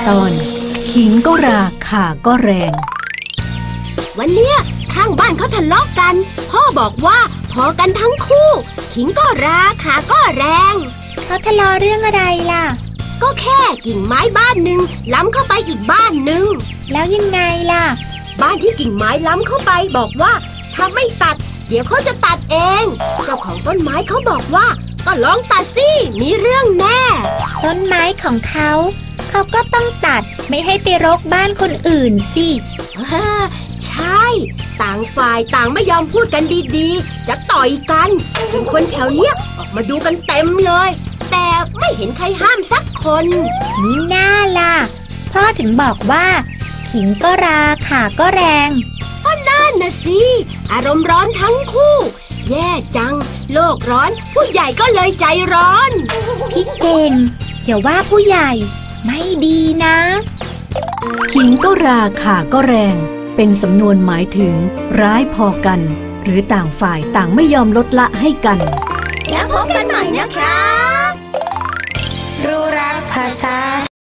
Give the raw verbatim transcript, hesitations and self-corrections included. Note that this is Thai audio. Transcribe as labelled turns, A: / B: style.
A: ตอนขิงก็ราข่าก็แรง
B: วันเนี้ยข้างบ้านเขาทะเลาะกันพ่อบอกว่าพอกันทั้งคู่ขิงก็ราข่าก็แรง
C: เขาทะเลาะเรื่องอะไรล่ะ
B: ก็แค่กิ่งไม้บ้านหนึ่งล้ำเข้าไปอีกบ้านหนึ่ง
C: แล้วยังไงล่ะ
B: บ้านที่กิ่งไม้ล้ำเข้าไปบอกว่าถ้าไม่ตัดเดี๋ยวเขาจะตัดเองเจ้าของต้นไม้เขาบอกว่าก็ลองตัดสิมีเรื่องแน่
C: ต้นไม้ของเขาเขาก็ต้องตัดไม่ให้ไปรกบ้านคนอื่นสิ
B: เออใช่ต่างฝ่ายต่างไม่ยอมพูดกันดีๆจะต่อยกันจนคนแถวเนี้ยออกมาดูกันเต็มเลยแต่ไม่เห็นใครห้ามสักคน
C: นี่น่าล่ะพ่อถึงบอกว่าขิงก็ราข่าก็แรง
B: ก็นั่นนะสิอารมณ์ร้อนทั้งคู่แย่จังโลกร้อนผู้ใหญ่ก็เลยใจร้อน
C: พี่เก่งอย่าว่าผู้ใหญ่ไม่ดีนะ
A: ขิงก็ราข่าก็แรงเป็นสำนวนหมายถึงร้ายพอกันหรือต่างฝ่ายต่างไม่ยอมลดละให้กัน
B: แล้วพบกันใหม่นะคะรู้รักภาษา